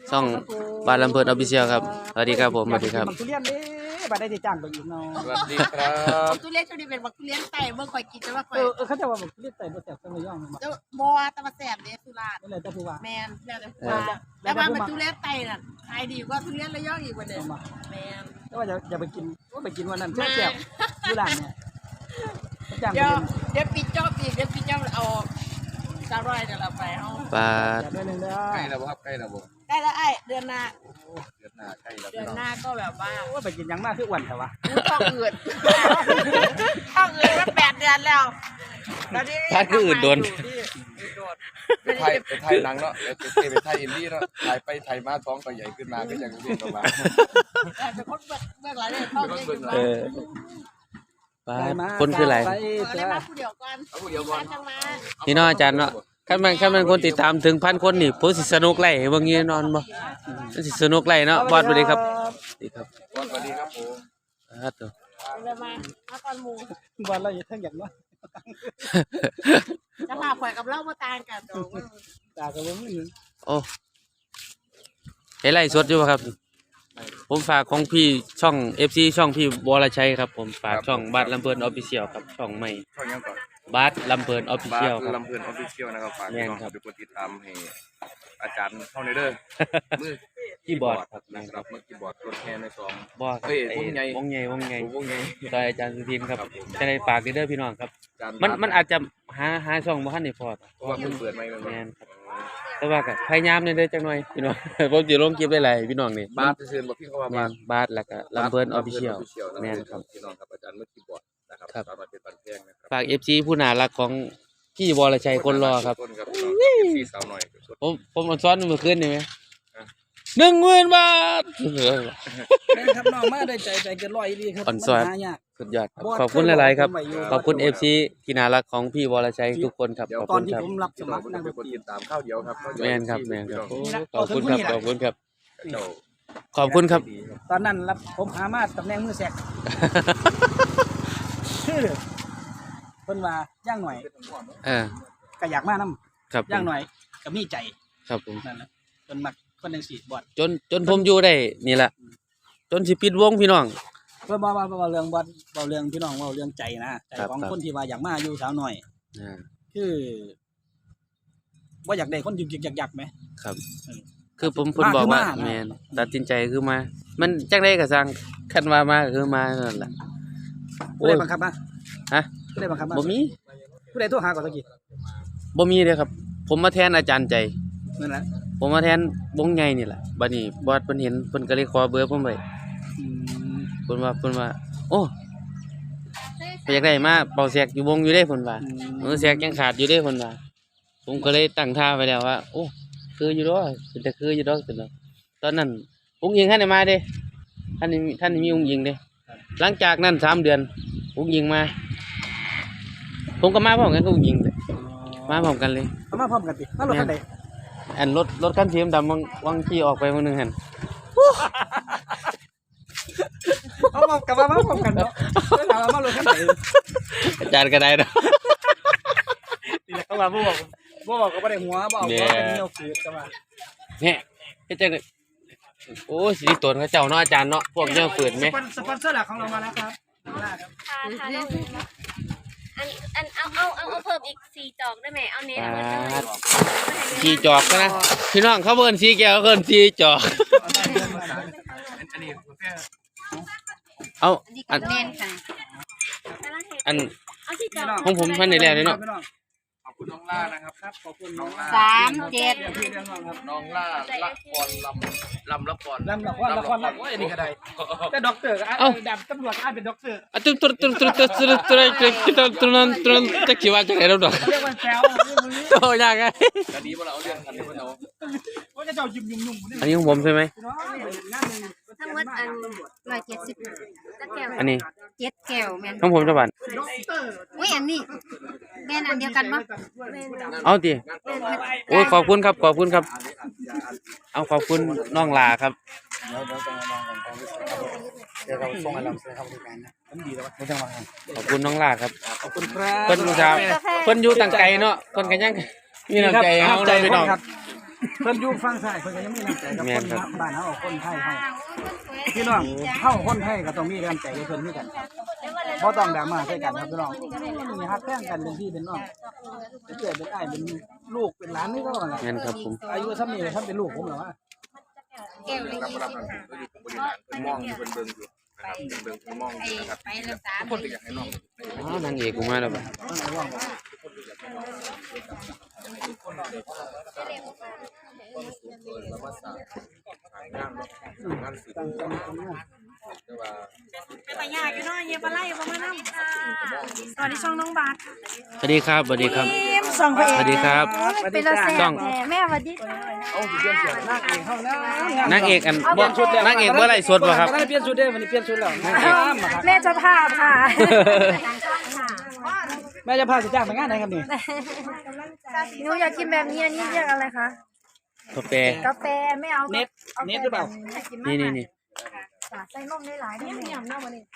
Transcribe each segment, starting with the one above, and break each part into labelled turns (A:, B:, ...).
A: ช่องบ้านลำเพลินออฟฟิเชียลครับสวัสดีครับผมสวัสดีครับ
B: ทุเรียนเด้บัดได้จ้างไปอีกเนาะ
C: สวัสดีครับ
D: ทุเรียนช่วงนี้เป็นบักทุเรียนไต่เมื่อคอยกินจะว่าคอย
B: เขาจะว่าทุเรียนไต่บ่แซ่บจังเลยย่องบ่
D: จะบอตะมาแสบเด้สุราษฎร์
B: นั่นแหละแต่ผู้ว่า
D: แมนแล้วแต่ว่าแล้วมันเป็นทุเรียนไต่น่ะขายดีกว่าทุเรียนระยองอีกวันเดียวแมน
B: แต่ว่าอย่าไปกินว่าไปกินวันนั้นแซ่บอยู่ร้านเนี่ยจ้างไป
D: เดี๋ยวปิดจอบอีกเดี๋ยวปิดจอบเอา300เดี๋ยวเราไปเอา
A: ปลา
B: เดือนนึงเด้อ
C: ใกล้แล้วครับใกล้แล้วบ่
D: ได้แล้วไอ้เดือนหน้า
C: เดือนหน้าใกล้แล้ว
D: เดือนหน้าก็แบบว่า
B: ว่าไปกินยังมากคืออ้วนแต่ว่า
D: ท้องอืดท้องอืดมา8 เดือนแล้ว
A: พลาดคืออื่นโดน
C: ไปไทยหนังเนาะแล้วไปไทยอินดี้เนาะถ่ายไปถ่ายมาท้องก็ใหญ่ขึ้นมาก็ยังเรียนออกมา
D: เป็นคนเบื้องหลังเลยท้องใหญ่ขึ้นมา
A: ปลาคนคืออะไร
D: ได้มาผู้เดียวก่อน
C: เอาเดี๋ยวก่อน
D: จังมา
A: พี่น้องอาจารย์เนาะขั้นมันคนติดตามถึง1,000 คนนี่ผมสิสนุกไล่เบิ่งนี้นอนบ่มันสิสนุกไล่เนาะบอดสวัสดีครับสวัสดีครับ
C: สวัสดีครับผม
A: ครับตัว
D: เดี๋ยวมาก่อนหมู
B: บ้านเราอยู่ทั้งอย่างว่า
D: จะพาข่อยกับเล่ามาต่างกันตรง
B: ตาก็บ่มี
A: โอ้เห็นไล่สดอยู่ป่ะครับผมฝากของพี่ช่อง FC ช่องพี่วรชัยครับผมฝากช่องบ้านลำเพลินออฟฟิเชียลครับช่องใหม่
C: ช่องยังก่อน
A: บ้านลำเพลินออฟฟิเชียลครับ
C: ลำเพลินออฟฟิเชียลนะครับฝาก
A: แม่
C: พี่
A: น
C: น้อง
A: ครับ
C: ทุกคนติดตามให้อาจารย์เข้าในเด้อมือ
A: คีย์บอร์ดครับ
C: นะครับมือคีย์บอร์ดรถแห่ในซอง
A: บ่ครับ
C: เฮ้ยวงใหญ่
A: วงใหญ่
C: วงใหญ่
A: ซอยอาจารย์สุทินครับ
C: ครับผม
A: จะได้ฝากเด้อพี่น้องครับ
C: อาจารย์
A: มันอาจจะหาช่องบ่ทันได้พอ
C: เพราะว่าเพิ่งเปิดใหม่เลย
A: แม่นครับแต่ว่าก็พยายามเด้อจักหน่อยพี่น้อง ผมสิลงคลิปหลายๆพี่น้องนี่
C: บาสเชิญบอกพี่เขาว่า
A: แม่
C: บาส
A: นบาสแล้วก็ลำเพลินออฟฟิเชียล แม่นครับ
C: พี่น้องครับอาจารย์มือคีย์บอร์ดนะครับ
A: ครับ
C: สามารถเป็นปันแพงนะครับ
A: ฝาก FC ผู้น่ารักของพี่วรชัยคนรอครับ
C: คนครับพี่สาวหน่อย
A: ผมอ่อนซ้อนเมื่อคืนนี่ไหม10,000 บาท
B: ครับน้องมาได้ใจเกิน100ดีครับ
A: อ่อนซ้อน
B: หายาก
A: สุดยอดครับขอบคุณหลายๆครับ ขอบคุณ FC ที่น่ารักของพี่วรชัยทุกคนครับ ขอบ
B: ตอ
A: คุ
B: น
A: ณ
B: ที่
A: ครับ
B: ผมรับส
C: พี่น้
B: มั
C: อง
B: คร
C: คน
B: นักด
C: เป็น
B: น
C: คน
B: ตรี
C: ติดตามข้าวเดียวครับ
A: แม่นครับแม่นครับ
C: พี่น้อง
A: ขอบคุณครับขอบคุณครับ
C: เจ้า
A: ขอบคุณครับ
B: ตอนนั้นรับผมหามาตำแหน่งมือแสกชื่อเพิ่นว่าย่างหน่อย
A: เออ
B: ก็อยากมานำ
A: ครับผม
B: ย่างหน่อยก็มีใจ
A: ครับผม
B: นั่นแหละเพิ่นมักคนจังซี่บอด
A: จนผมอยู่ได้นี่แหละจนสิปิดวงพี่น้อง
B: เพิ่นบ่เรื่องบอดบ่เรื่องพี่น้องเว้าเรื่องใจนะใจ
A: ครับ
B: ของ
A: ครับ
B: คนที่ว่าอยากมาอยู่สาวน้อย
A: อ่า
B: คือบ่อยากได้คนยึกๆยักๆไหม
A: ครับ
B: เออ
A: คือผมบอกว่า
B: มาคือมา
A: แม่นตัดสินใจคือมา มันจังได๋ก็สร้างคันว่ามาก็คือมานั่นแหละ
B: ผู้ใดบังคับมา
A: ฮะ
B: ผู้ใดบังคับมา
A: บ่มี
B: ผู้ใดโทรหาก่อนตะกี้
A: บ่มีเด้อครับ ผมมาแทนอาจารย์ใจ
B: นั่นแหละ
A: ผมมาแทนวงใหญ่นี่แหละบัดนี้บอสเพิ่นเห็นเพิ่นก็เลยขอเบอร์ผมไว้
B: อืม
A: เพิ่นว่าโอ้ไปอยากได้มาเป่าแซกอยู่วงอยู่เด้เพิ่นว่าแซกยังขาดอยู่เด้เพิ่นว่าผมก็เลยตั้งท่าไว้แล้วว่าโอ้คืออยู่ดอกเป็นแต่คืออยู่ดอกเป็นดอกตอนนั้นอุ้งยิงท่านได้มาเด้ท่านนี่มีอุ้งยิงเด้หลังจากนั้น3 เดือนอุ้งยิงมา ผมก็มาพร้อมกันกับอุ้งยิงเลยมาพร้อมกันเลย
B: เอามาพร้อมกันติมารถคันใด
A: อันรถคันสีดำวังขี่ออกไปมื้อนึงหั่น
B: เอามากลับมาพร้อมกันเนาะเวลามารถคันใด
A: อาจารย์ก็ได้เนาะ
B: นี่แหละเขาว่าบ่บอกก็บ่ได้หัวบ่เอาหัวเป็นแนวฝืดก็ว่า
A: เนี่ยเฮ็ดจังได๋โอ้สิริตนเขาเจ้าเนาะอาจารย์เนาะพวกเจ้าฝืนไหม
B: สปอนเซอร์หลักของเรามาแล้วครับมาแล้วครับ
E: ค่ะอันเอาเพิ่มอีก4 จอกได้ไหมเอาเน้นเอาเพิ่ม
A: สีจอกนะพี่น้องเขาเบิ่นสีแก้วเขาเบิ่นสีจอก
C: อันนี้แค่
A: เอาอัน
D: เน้นค่ะ
A: อัน
E: เอา4 จอก
A: ของผมพันได้แล้วเนาะ
C: ขอบคุณน้องล่านะครับ
B: ครับขอบคุณน้อง
D: 37
B: พี่เรื่องน้องครับ
C: น้องล่าละครลำละคร
B: ลำละครโอ้ยอันนี้ก็ได้แต่ด็อกเตอร์ก็อ่านดับตำรวจอ่านเป็นด็อกเตอร์
A: อะตุ๊จะคิดว่าจังได๋ดอก
B: เรียกว่าแซว
A: โตยากไง
C: คดีว่าเราเอาเรื่องคันนี้ว่าเรา
B: ว่าจะเจ้ายุ่มๆ
A: อันนี้ของผมใช่ไหม
B: น้องงานนึง
E: ทั้งหมดอัน170ตะแก้ว
A: อันนี้
D: 7แก้วแม่น
A: ของผมจะบาท
D: อุ้ยอันนี้แม่นอันเดียวกันบ่
A: เอาติโอ้ยขอบคุณครับขอบคุณครับ เอาขอบคุณน้องลาครับ
B: เดี๋ยวเราส่งให้เราเสียค่าบริการนะผมดีแล้วไม่ต้องมา
A: ขอบคุณน้องลาครับ
B: ขอบคุณครับ
A: เพิ่นครับเพิ่นอยู่ต่างไกลเนาะเพิ่นก็ยังมีน้ำใจเฮาเลยพี่น้อง
B: เพิ่นอยู่ฝั่งซ้ายเพิ่นก็ยังมีน้ำใจกับ
A: แม่
B: คน น
A: ครับ
B: บ้านเฮาคนไทยเฮาพี่น้องเฮาคนไทยก็ต้องมีน้ำใจกับเพิ่นคือกันบ่ต้องดราม่าใส่กันครับพี่น้องมีฮักแท้งกันเป็นพี่เป็นน้องเป็นเกิดเป็นอ้ายเป็นลูกเป็นหลานนี่ก็ว่าล่ะ
A: แม่นครับผม
B: อายุซ้ำนี้เลยซ้ำเป็นลูกผมเหรอวะ
E: แก้วละ
C: รับรับนั่นก็อยู่ผู้บริหารเพิ่นมองอยู่เพิ่นเบิ่งอยู่นะครับเบิ่งเพิ่นมองอยู่นะครับ
E: ไปรักษา
C: ทุกคนก็อยากให้น้อง
A: อ๋อนางเอกกูมาแล้วบ่ะ
C: แล้วมาสร้างงานงานสื่อแต่ว่า
D: ไปยากอยู่เนาะเยบไล่บ่มานำสวัสดีช่องน้องบาท
A: สวัสดีครับสวัสดีครับ
D: ส่องพระเอก
A: สวัสดีครับ
D: เป็นละแซ่
A: ต้
D: บ
A: อง
D: แม่สวัสดีค่ะ
C: เอาสิเปลี่ยนเสียง
B: นางเอกเฮานะ
A: นางเอกอันบ่นางเอกบ่ไล่สดบ่ครับ
B: ได้เปลี่ยนชุดเด้อวันนี้เปลี่ยนชุดแล้วนางเอก
D: แม่เจ้าภาพค่ะ
B: แม่จะพาสิจ้างไปงานไหนครับนี่
D: หนูอยากกินแบบนี้อันนี้เรียกอะไรคะ
A: กาแฟ
D: กาแฟไม่เอา
B: เน็ตเน็ตหรือเปล่า
A: นี่
D: ใส่นมได้หลายได้ไหมยำหน้าวันนี้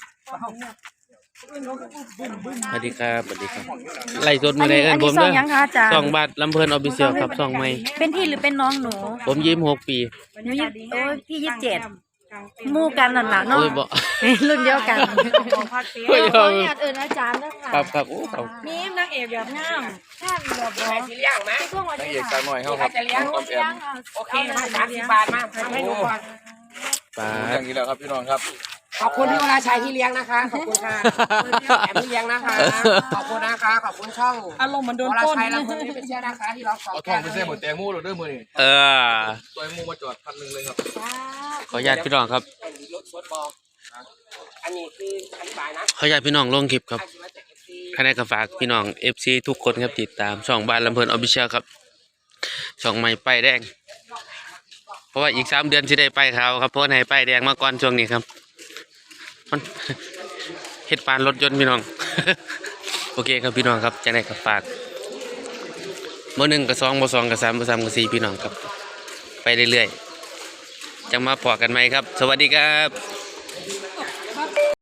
A: สวัสดีครับสวัสดีครับไล่สดมื้อใดเอิ้นผม
D: ซอ
A: เด้
D: งยังคะอาจารย์
A: ช่องบาทลำเพลินออฟฟิเชียลครับช่องใหม่
D: เป็นพี่หรือเป็นน้องหนู
A: ผม26 ปี
D: หนูโอ้ยพี่27มู่กันนั่นล่ะเนาะ
A: โอ้ยบ่
D: รุ่นเดียวกัน
A: โอ้ย
D: ขออนุญาตเอิ้นอาจารย์ด้วยค่ะ
A: ครับครับโอ้ครับ
D: มีนางเอกแบบงามแค่แบบบ่ที่เลี้ยงมั้ยช่วงวัน
C: นาง
D: นี้
C: เอกสาวน้อยเฮาครับออมแอม
D: โอเคมา30 บาทมาให้หนูก่อน
A: ปา
C: อ
A: ด
C: ย่างนี้แล้วครับพี่น้องครับ
F: ขอบคุณพี่วราชัยที่เลี้ยงนะคะ ขอบคุณค่ะแอมที่เลี้ยงนะคะ ขอบคุณนะคะ ขอบคุณช่อง
B: อารมณ์มันโดน
F: วรา
B: ต้น
F: ชัยและคนที่เป็นเชื่อนะคะที่เราขอ
C: เอาทองไปเส้นหมดแตงโมโหลดเด้อมื้อนี้
A: เออ
C: ตัวไอ้โมมาจอดคันนึงเลยครับ
A: ขออนุญาตพี่น้องครับ
F: รถสดบอกอันนี้คืออธิบายนะ
A: ขออนุญาตพี่น้องลงคลิปครับ
F: ใครจะมาจากเอฟซี
A: ใครได้ก็ฝากพี่น้อง FC ทุกคนครับติดตามช่องบ้านลำเพลินออฟฟิเชียลครับช่องใหม่ป้ายแดง เพราะว่าอีก3 เดือนสิได้ป้ายขาวครับเพราะว่าให้ป้ายแดงมาก่อนช่วงนี้ครับมัน เฮ็ดปานรถยนต์พี่น้อง โอเคครับพี่น้องครับจะได้ก็ฝากบ่1ก็2บ่2ก็3บ่3ก็4พี่น้องครับ ไปเรื่อยๆจังมาพอกันใหม่ครับ สวัสดีครับ